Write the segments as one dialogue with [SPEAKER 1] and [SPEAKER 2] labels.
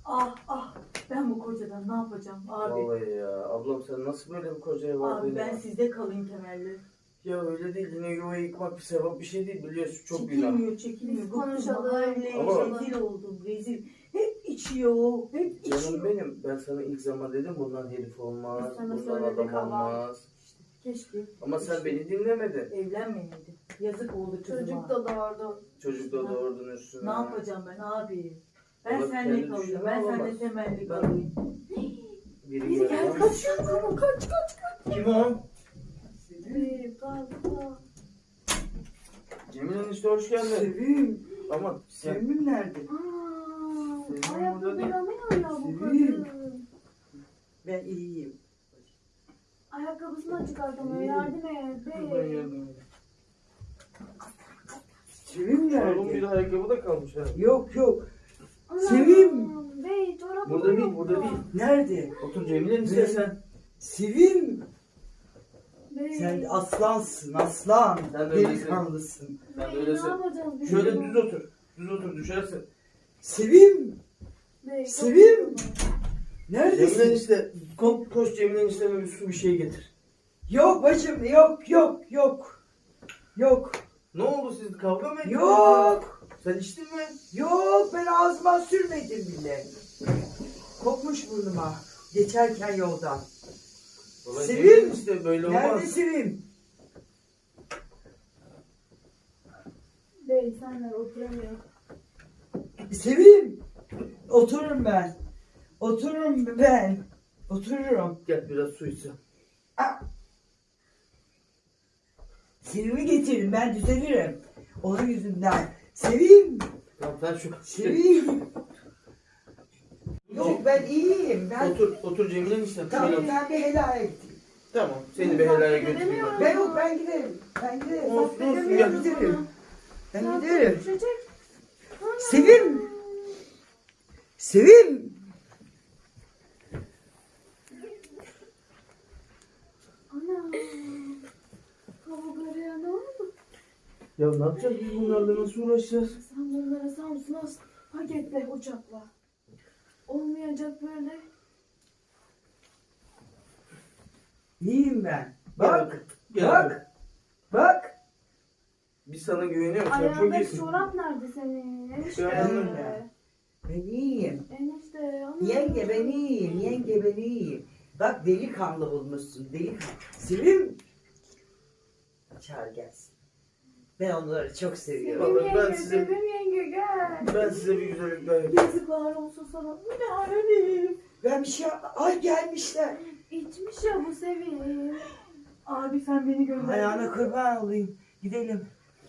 [SPEAKER 1] Ah ah, ben bu kocadan ne yapacağım abi?
[SPEAKER 2] Vallahi ya. Ablam sen nasıl böyle bir kocaya vardın
[SPEAKER 1] Abi ben
[SPEAKER 2] ya?
[SPEAKER 1] sizde kalayım temelli.
[SPEAKER 2] Ya öyle değil. Yine yuvayı yıkmak bir sevap bir şey değil. Biliyorsun çok günah.
[SPEAKER 1] Çekilmiyor, çekilmiyor.
[SPEAKER 3] Biz
[SPEAKER 1] Bıktım,
[SPEAKER 3] konuşalım.
[SPEAKER 1] mahalleye
[SPEAKER 2] Ama-
[SPEAKER 1] rezil oldum, rezil. Hep içiyor, hep
[SPEAKER 2] Canım
[SPEAKER 1] içiyor.
[SPEAKER 2] benim. Ben sana ilk zaman dedim bundan herif olmaz.
[SPEAKER 3] Biz sana
[SPEAKER 2] Bundan
[SPEAKER 3] söyledik
[SPEAKER 2] adam
[SPEAKER 3] ama.
[SPEAKER 2] olmaz.
[SPEAKER 1] İşte keşke
[SPEAKER 2] Ama sen beni dinlemedin.
[SPEAKER 1] evlenmeyeydi. Yazık oldu kızıma.
[SPEAKER 3] Çocuk da doğurdu.
[SPEAKER 2] Çocuk da doğurdun üstüne.
[SPEAKER 1] Ne yapacağım ben abi? Ben
[SPEAKER 2] Vallahi
[SPEAKER 1] seninle
[SPEAKER 2] kendi
[SPEAKER 1] kalayım,
[SPEAKER 2] düşünen
[SPEAKER 1] ben seninle
[SPEAKER 2] olamaz.
[SPEAKER 1] temelli
[SPEAKER 2] Ben-
[SPEAKER 1] kalayım.
[SPEAKER 2] Biri
[SPEAKER 1] Biri gel
[SPEAKER 2] geldi.
[SPEAKER 1] kaçıyor, kaç.
[SPEAKER 2] Kim o?
[SPEAKER 3] Bir fazla.
[SPEAKER 2] Cemil enişte hoş geldin.
[SPEAKER 4] Sevim.
[SPEAKER 2] Ama sen...
[SPEAKER 4] Sevimim nerede?
[SPEAKER 3] Aaa.
[SPEAKER 2] Senin
[SPEAKER 3] Ayakta
[SPEAKER 2] burada değil.
[SPEAKER 3] duramıyor ya bu
[SPEAKER 4] Sevim.
[SPEAKER 3] kadın.
[SPEAKER 4] Ben iyiyim.
[SPEAKER 3] Ayakkabısını çıkartamıyor. Yardım et.
[SPEAKER 2] Ben
[SPEAKER 3] Bey.
[SPEAKER 2] yardım edeyim.
[SPEAKER 4] Sevim
[SPEAKER 2] Oğlum bir
[SPEAKER 4] nerede?
[SPEAKER 2] ayakkabı da kalmış ha.
[SPEAKER 4] Yok yok.
[SPEAKER 3] Anam,
[SPEAKER 4] Sevim.
[SPEAKER 3] Bey çorabı
[SPEAKER 2] Burada değil,
[SPEAKER 3] yok
[SPEAKER 2] burada
[SPEAKER 3] da.
[SPEAKER 2] değil.
[SPEAKER 4] Nerede?
[SPEAKER 2] Otur Cemil enişte sen.
[SPEAKER 4] Sevim.
[SPEAKER 3] Bey.
[SPEAKER 4] Sen aslansın, aslan.
[SPEAKER 2] Sen de öylesin.
[SPEAKER 4] Delikanlısın.
[SPEAKER 2] Sen de
[SPEAKER 3] Bey,
[SPEAKER 2] öylesin.
[SPEAKER 3] Ne yapacağız biz?
[SPEAKER 2] Şöyle düz otur. Düz otur düşersin.
[SPEAKER 4] Sevim.
[SPEAKER 3] Bey, çok
[SPEAKER 4] Sevim.
[SPEAKER 3] yoruldum.
[SPEAKER 2] Cemil
[SPEAKER 4] Neredesin?
[SPEAKER 2] enişte koş Cemil enişteme bir su bir şey getir.
[SPEAKER 4] Yok bacım, yok. Yok.
[SPEAKER 2] Ne oldu siz kavga mı ettiniz?
[SPEAKER 4] Yok.
[SPEAKER 2] Sen içtin mi?
[SPEAKER 4] Yok, ben ağzıma sürmedim bile. Kokmuş burnuma. Geçerken yoldan.
[SPEAKER 2] Vallahi
[SPEAKER 4] Sevim.
[SPEAKER 2] Cemil enişte böyle olmaz.
[SPEAKER 4] Nerede Sevim?
[SPEAKER 3] Bey senler oturamıyor.
[SPEAKER 4] Sevim. Otururum ben. Otururum.
[SPEAKER 2] Gel biraz su içsin.
[SPEAKER 4] Sevim'i getirin, ben düzelirim. Onun yüzünden. Sevim.
[SPEAKER 2] Tamam sen şu...
[SPEAKER 4] Sevim. Yok, ben iyiyim. Ben
[SPEAKER 2] Otur Cemil enişte.
[SPEAKER 4] tamam,
[SPEAKER 2] Şöyle otur.
[SPEAKER 4] ben bir helal ettim.
[SPEAKER 2] Tamam seni bir helaya götüreyim.
[SPEAKER 4] Ben yok, ben giderim. Ben giderim.
[SPEAKER 2] Olsun,
[SPEAKER 4] Ben
[SPEAKER 2] olsun,
[SPEAKER 4] giderim.
[SPEAKER 2] gel.
[SPEAKER 4] Ben giderim.
[SPEAKER 3] Düşecek. Ana.
[SPEAKER 4] Sevim. Sevim.
[SPEAKER 3] Ana. Kavgalıya ne oldu?
[SPEAKER 2] Ya ne yapacağız biz bunlarla nasıl uğraşacağız?
[SPEAKER 3] Sen bunları Samsun'a paketle uçakla. Olmayacak böyle.
[SPEAKER 4] İyiyim ben. Bak.
[SPEAKER 2] Gel.
[SPEAKER 4] Bak. Bak.
[SPEAKER 2] Biz sana güveniyoruz. Sen çok
[SPEAKER 3] Ayağındaki
[SPEAKER 2] iyisin.
[SPEAKER 3] çorap nerede senin? Enişte.
[SPEAKER 2] Gördüm
[SPEAKER 4] ben. Ben iyiyim.
[SPEAKER 3] Enişte. Ana.
[SPEAKER 4] Yenge ben iyiyim. Yenge ben iyiyim. Bak delikanlı bulmuşsun. Delikanlı. Sevim. Çağır gelsin. Ben onları çok seviyorum.
[SPEAKER 3] Sevim
[SPEAKER 2] Ben
[SPEAKER 3] yenge,
[SPEAKER 2] size-
[SPEAKER 3] Sevim yenge gel.
[SPEAKER 2] Ben size bir güzellik daha yapayım.
[SPEAKER 1] Yazıklar olsun sana. Bu ne halim?
[SPEAKER 4] Ben bir şey... Ay gelmişler.
[SPEAKER 3] İçmiş ya bu Sevim.
[SPEAKER 1] Abi sen beni gönder.
[SPEAKER 4] Ayağına kurban olayım. Gidelim.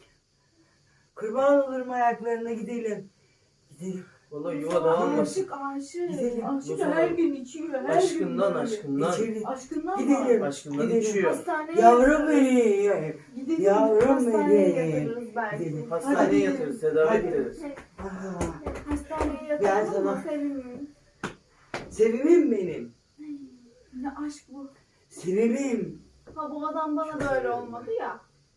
[SPEAKER 4] Kurban olurum ayaklarına gidelim. Gidelim.
[SPEAKER 2] Vallahi yuva dağılmasın.
[SPEAKER 3] Aşık aşık.
[SPEAKER 4] Gidelim.
[SPEAKER 1] Aşkı her gün içiyor, her gün.
[SPEAKER 2] Aşkından
[SPEAKER 1] böyle.
[SPEAKER 2] aşkından.
[SPEAKER 4] İçeri.
[SPEAKER 1] Aşkından
[SPEAKER 4] Gidelim.
[SPEAKER 1] mı?
[SPEAKER 2] Aşkından
[SPEAKER 4] Gidelim.
[SPEAKER 2] içiyor.
[SPEAKER 3] Hastaneye
[SPEAKER 4] Yavrum
[SPEAKER 3] yatırırız.
[SPEAKER 4] benim.
[SPEAKER 1] Gidelim.
[SPEAKER 4] Yavrum
[SPEAKER 3] Hastaneye
[SPEAKER 4] benim.
[SPEAKER 3] yatırırız belki.
[SPEAKER 4] Gidelim.
[SPEAKER 2] Hastaneye
[SPEAKER 4] Hadi.
[SPEAKER 2] yatırız, tedavi
[SPEAKER 4] Hadi.
[SPEAKER 2] ederiz.
[SPEAKER 4] Aa,
[SPEAKER 3] Hastaneye
[SPEAKER 4] Ben
[SPEAKER 3] yatırırız
[SPEAKER 4] sana-
[SPEAKER 3] ama Sevim'im.
[SPEAKER 4] Sevimim benim.
[SPEAKER 3] Ne aşk bu.
[SPEAKER 4] Sevimim.
[SPEAKER 3] Ha bu adam bana da öyle olmadı ya.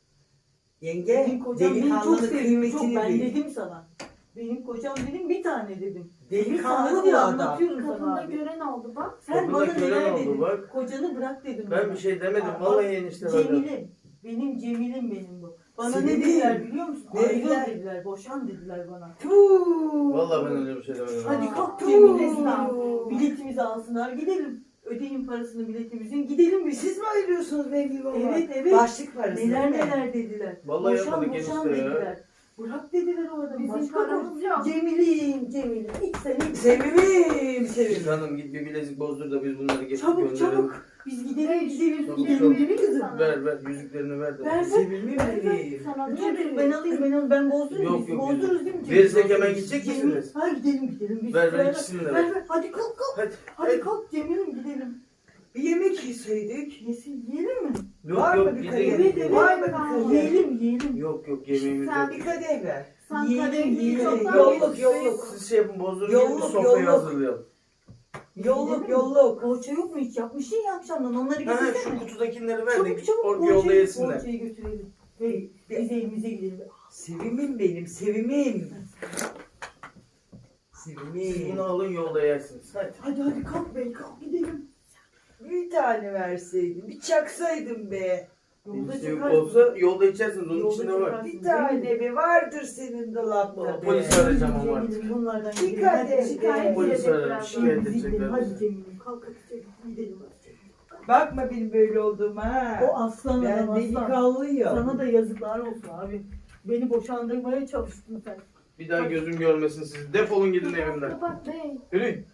[SPEAKER 4] Yenge
[SPEAKER 1] Benim kocam beni çok
[SPEAKER 4] delikanlının
[SPEAKER 1] seviyor, çok.
[SPEAKER 4] kıymetini
[SPEAKER 1] Ben
[SPEAKER 4] bil.
[SPEAKER 1] dedim sana. Benim kocam dedim bir tane dedim.
[SPEAKER 4] Delikanlı
[SPEAKER 1] diye
[SPEAKER 4] bu adam.
[SPEAKER 1] anlatıyorum sana
[SPEAKER 3] Kadında
[SPEAKER 1] abi.
[SPEAKER 3] gören oldu bak.
[SPEAKER 1] Sen
[SPEAKER 2] Kadında
[SPEAKER 1] bana
[SPEAKER 2] gören
[SPEAKER 1] neler
[SPEAKER 2] oldu,
[SPEAKER 1] dedin?
[SPEAKER 2] bak.
[SPEAKER 1] Kocanı bırak dedim.
[SPEAKER 2] Ben
[SPEAKER 1] bana.
[SPEAKER 2] bir şey demedim.
[SPEAKER 1] Aa,
[SPEAKER 2] Vallahi
[SPEAKER 1] bak,
[SPEAKER 2] enişte bana.
[SPEAKER 1] Cemil'im. Benim Cemil'im benim bu. Bana
[SPEAKER 4] Senin
[SPEAKER 1] ne dediler biliyor musun?
[SPEAKER 4] Ne
[SPEAKER 1] Ayrıl
[SPEAKER 4] dediler?
[SPEAKER 1] dediler, boşan dediler bana.
[SPEAKER 4] Tuuu.
[SPEAKER 2] Vallahi ben öyle bir şey demedim.
[SPEAKER 1] Hadi kalk
[SPEAKER 4] Tuuu.
[SPEAKER 1] Cemil Esra. Biletimizi alsınlar gidelim. Ödeyin parasını biletimizin gidelim biz.
[SPEAKER 4] Siz mi ayırıyorsunuz benim gibi olan?
[SPEAKER 1] Evet, evet.
[SPEAKER 4] Başlık parası
[SPEAKER 1] Neler
[SPEAKER 4] değil mi?
[SPEAKER 1] neler dediler.
[SPEAKER 2] Vallahi
[SPEAKER 1] boşan
[SPEAKER 2] yapmadık
[SPEAKER 1] boşan
[SPEAKER 2] enişte ya.
[SPEAKER 1] dediler. Bırak dediler o adamı.
[SPEAKER 3] Bizim
[SPEAKER 1] Başka
[SPEAKER 3] paramız yok.
[SPEAKER 1] Cemil'im. İç sen iç.
[SPEAKER 4] Sevimim sevimim.
[SPEAKER 2] Hanım git bir bilezik bozdur da biz bunları getirip
[SPEAKER 1] Çabuk
[SPEAKER 2] gönderelim.
[SPEAKER 1] çabuk. Biz gidelim gidelim.
[SPEAKER 2] Çabuk,
[SPEAKER 1] Gidelim
[SPEAKER 2] çabuk.
[SPEAKER 1] değil mi kızım?
[SPEAKER 3] Sana.
[SPEAKER 2] Ver yüzüklerini ver de.
[SPEAKER 1] Ver.
[SPEAKER 4] Sevimim benim.
[SPEAKER 3] Sana
[SPEAKER 1] Dur
[SPEAKER 3] ne
[SPEAKER 1] dur ben alayım ben bozdurayım.
[SPEAKER 2] Yok,
[SPEAKER 1] Biz
[SPEAKER 2] yok,
[SPEAKER 1] bozdururuz değil mi?
[SPEAKER 2] Verirsek hemen gidecek
[SPEAKER 1] Cemil-
[SPEAKER 2] misiniz?
[SPEAKER 1] Ha gidelim. Biz
[SPEAKER 2] Ver ikisini de ver.
[SPEAKER 1] ver. Hadi kalk.
[SPEAKER 2] Hadi.
[SPEAKER 1] Hadi kalk Cemil'im gidelim.
[SPEAKER 4] Bir yemek yeseydik.
[SPEAKER 1] Yesin yiyelim mi?
[SPEAKER 4] Var
[SPEAKER 2] Yok
[SPEAKER 4] mı
[SPEAKER 2] yok
[SPEAKER 4] bir
[SPEAKER 2] gidin.
[SPEAKER 4] kadeh?
[SPEAKER 1] Evet,
[SPEAKER 2] gidin.
[SPEAKER 1] evet.
[SPEAKER 4] Var mı bir kadeh?
[SPEAKER 1] Yiyelim.
[SPEAKER 2] Yok yemeğimiz
[SPEAKER 3] Sen
[SPEAKER 2] yok.
[SPEAKER 4] Bir kadeh ver.
[SPEAKER 3] Sen
[SPEAKER 1] Yiyelim,
[SPEAKER 3] kadehliği
[SPEAKER 1] yiyelim.
[SPEAKER 3] çoktan
[SPEAKER 4] Yolluk,
[SPEAKER 3] yemişsin.
[SPEAKER 4] yolluk.
[SPEAKER 2] Siz şey yapın bozdurun
[SPEAKER 4] Yolluk,
[SPEAKER 2] gelin sofrayı
[SPEAKER 4] yolluk.
[SPEAKER 2] hazırlayalım.
[SPEAKER 4] Yolluk yolluk.
[SPEAKER 1] Poğaça yok mu hiç? Yapmışsın ya akşamdan onları
[SPEAKER 2] Ha,
[SPEAKER 1] getirsene.
[SPEAKER 2] şu kutudakileri ver de
[SPEAKER 1] Çabuk
[SPEAKER 2] orada yolda yesinler.
[SPEAKER 1] poğaçayı götürelim. Ve biz evimize gidelim.
[SPEAKER 4] Sevimim benim sevimim.
[SPEAKER 2] Siz
[SPEAKER 4] Sevimim.
[SPEAKER 2] bunu alın yolda yersiniz. Hadi.
[SPEAKER 1] Hadi kalk bey kalk gidelim.
[SPEAKER 4] Bir tane verseydin, bir çaksaydın be.
[SPEAKER 1] Yolda
[SPEAKER 2] Sevim
[SPEAKER 1] çıkarsın.
[SPEAKER 2] olsa yolda içersiniz. Onun
[SPEAKER 1] Yolda
[SPEAKER 2] içinde var.
[SPEAKER 1] çıkarsın.
[SPEAKER 4] Bir tane be vardır senin dolapta be.
[SPEAKER 2] Polis arayacağım ama artık.
[SPEAKER 1] Cemil'im bunlardan
[SPEAKER 4] Dikkat
[SPEAKER 1] gidelim. Hadi
[SPEAKER 4] et.
[SPEAKER 1] şikayet
[SPEAKER 2] Polis
[SPEAKER 3] edecek
[SPEAKER 2] ararım.
[SPEAKER 3] birazdan.
[SPEAKER 2] Şikayet
[SPEAKER 1] Biz gidelim.
[SPEAKER 2] edecekler.
[SPEAKER 1] Hadi Cemil'im kalk hadi gidelim.
[SPEAKER 4] Bakma benim böyle olduğuma ha.
[SPEAKER 1] O aslan
[SPEAKER 4] Ben
[SPEAKER 1] adam aslan.
[SPEAKER 4] delikanlıyım.
[SPEAKER 1] Sana da yazıklar olsun abi. Beni boşandırmaya çalıştın sen.
[SPEAKER 2] Bir daha gözüm görmesin sizi. Defolun gidin evimden.
[SPEAKER 3] Kapat bey.
[SPEAKER 2] Yürüyün.